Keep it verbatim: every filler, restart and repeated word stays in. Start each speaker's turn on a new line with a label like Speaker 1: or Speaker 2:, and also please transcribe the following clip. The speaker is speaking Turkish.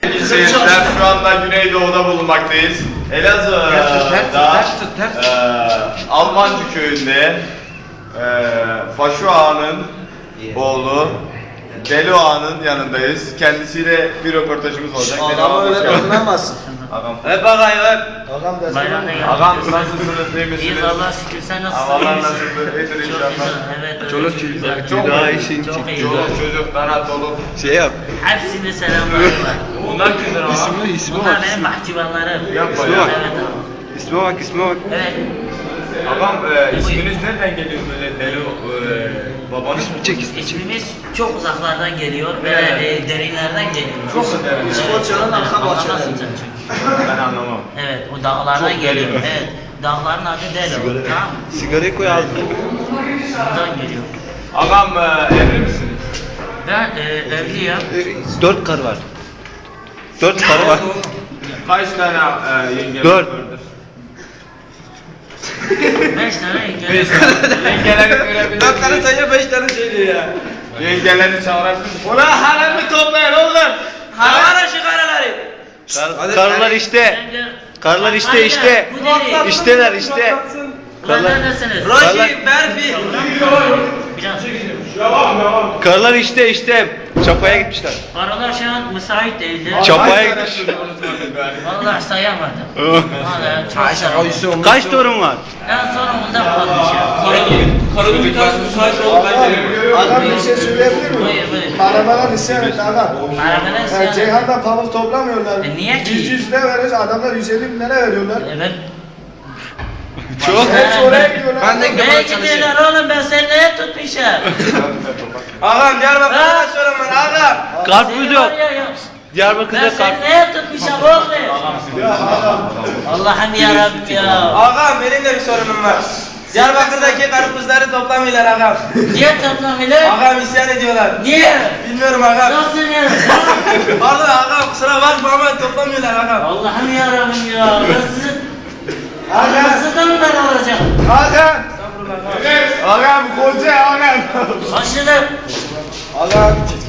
Speaker 1: Seyirciler şu anda Güneydoğu'da bulunmaktayız. Elazığ'da e, Almancı köyünde e, Faşu Ağa'nın oğlu Deli Ağa'nın yanındayız. Kendisiyle bir röportajımız olacak.
Speaker 2: Ağam öyle dokunamazsın.
Speaker 1: Ağam.
Speaker 2: Hep ağay hep. Ağam da
Speaker 3: Bayramda geldik.
Speaker 1: Ağam nasılsınız? İyi misiniz?
Speaker 3: İyiyiz Allah'a şükür. Sen nasılsın?
Speaker 1: Havalar nasıldır? İyidir
Speaker 3: Çok
Speaker 1: inşallah.
Speaker 3: güzel. Evet.
Speaker 1: Çoluk
Speaker 3: çocuk.
Speaker 1: Çok
Speaker 2: daha
Speaker 1: iyi.
Speaker 2: iyi şey
Speaker 3: Çok iyi.
Speaker 1: Çoluk çocuk, kanat dolu.
Speaker 2: Şey yap.
Speaker 3: Hepsinde selamlar var.
Speaker 1: Bunlar kimdir ama?
Speaker 2: İsmi, ismi
Speaker 3: Bunlar
Speaker 2: bak.
Speaker 3: benim bahçıvanlarım.
Speaker 1: Yapma
Speaker 2: ya.
Speaker 3: Evet abi.
Speaker 2: İsme bak, isme bak.
Speaker 3: Evet.
Speaker 1: Ağam e, isminiz nereden geliyor böyle Deli e, babanız?
Speaker 2: İsmi çek, ismi çek.
Speaker 3: İsmimiz çok uzaklardan geliyor ve
Speaker 1: Evet.
Speaker 3: e, derinlerden geliyor.
Speaker 1: Çok mu derin?
Speaker 3: Evet,
Speaker 2: İskoçya'nın
Speaker 3: evet,
Speaker 2: arka bahçeleri.
Speaker 3: anlamazsın sen çünkü.
Speaker 1: Ben anlamam.
Speaker 3: Evet, o dağlardan
Speaker 1: Çok
Speaker 3: geliyor.
Speaker 1: derin.
Speaker 3: Evet, dağların adı Delo. Tamam mı?
Speaker 2: Sigarayı koy ağzına.
Speaker 3: Buradan geliyor.
Speaker 1: Ağam e, evli misiniz?
Speaker 3: Ben e, evliyim.
Speaker 2: Ee, Dört karı var. Dört karı var.
Speaker 1: Kaç tane e, yengemiz
Speaker 2: Dört.
Speaker 1: vardır?
Speaker 3: Beş tane
Speaker 1: Beş
Speaker 3: engelli.
Speaker 1: tane. Yengeleri görebilir
Speaker 2: Dört tane
Speaker 1: miyiz?
Speaker 2: sayıyor, beş tane söylüyor ya.
Speaker 1: Yengeleri çağırabilir miyiz? Ulan haremi toplayın oğlum!
Speaker 3: Havara şu karaları.
Speaker 2: Kar, karılar işte. Karılar işte, işte.
Speaker 3: Bu deli.
Speaker 2: İşteler işte.
Speaker 3: Ulan
Speaker 2: Karılar,
Speaker 3: neredesiniz?
Speaker 2: Karılar-
Speaker 3: Berfi. Biraz.
Speaker 2: karılar işte, işte. Çapaya gitmişler.
Speaker 3: Paralar şu an müsait değildi.
Speaker 2: Çok- Çapaya
Speaker 1: Kaç tane
Speaker 2: gitmiş.
Speaker 1: çocuğunuz vardır gari?
Speaker 3: Vallahi sayamadım. Vallahi çok sayamadım.
Speaker 2: Kaç torun var?
Speaker 3: En sonunda kalmışım.
Speaker 4: Karının bir tanesi müsait oldu bence.
Speaker 5: Adam bir şey söyleyebilir miyim?
Speaker 3: Buyur, buyur.
Speaker 5: Arabadan isyan etti adam.
Speaker 3: Arabadan isyan
Speaker 5: Ee,
Speaker 3: etti.
Speaker 5: Ceyhan'dan pamuk toplamıyorlar.
Speaker 3: E, niye ki?
Speaker 5: yüz yüz lira veririz, adamlar yüz elli bin lira veriyorlar.
Speaker 3: Evet.
Speaker 2: Çok.
Speaker 5: Hepsi oraya gidiyorlar.
Speaker 2: Ben de-
Speaker 3: Neye gidiyorlar oğlum, ben seni neye tutmuşum?
Speaker 2: Ağam Diyarbakır'da sorun var ağam. Karpuz
Speaker 3: Seni
Speaker 2: yok.
Speaker 3: var ya, yok. Ben
Speaker 2: Diyarbakır'da
Speaker 3: seni
Speaker 2: karpuz.
Speaker 3: neye tutmuşum oğlum? Allah'ım yarabbim ya.
Speaker 6: Ağam benim de bir sorunum var. Diyarbakır'daki karpuzları toplamıyorlar ağam.
Speaker 3: Niye toplamıyorlar?
Speaker 6: Ağam isyan ediyorlar.
Speaker 3: Niye?
Speaker 6: Bilmiyorum ağam.
Speaker 3: Nasıl ya?
Speaker 6: Pardon ağam kusura bakma ama toplamıyorlar ağam.
Speaker 3: Allah'ım yarabbim ya. Ben sizin... Anasından ben alacağım.
Speaker 5: Hakan! Ağam koca ağam!
Speaker 3: Başladım.
Speaker 5: Ağam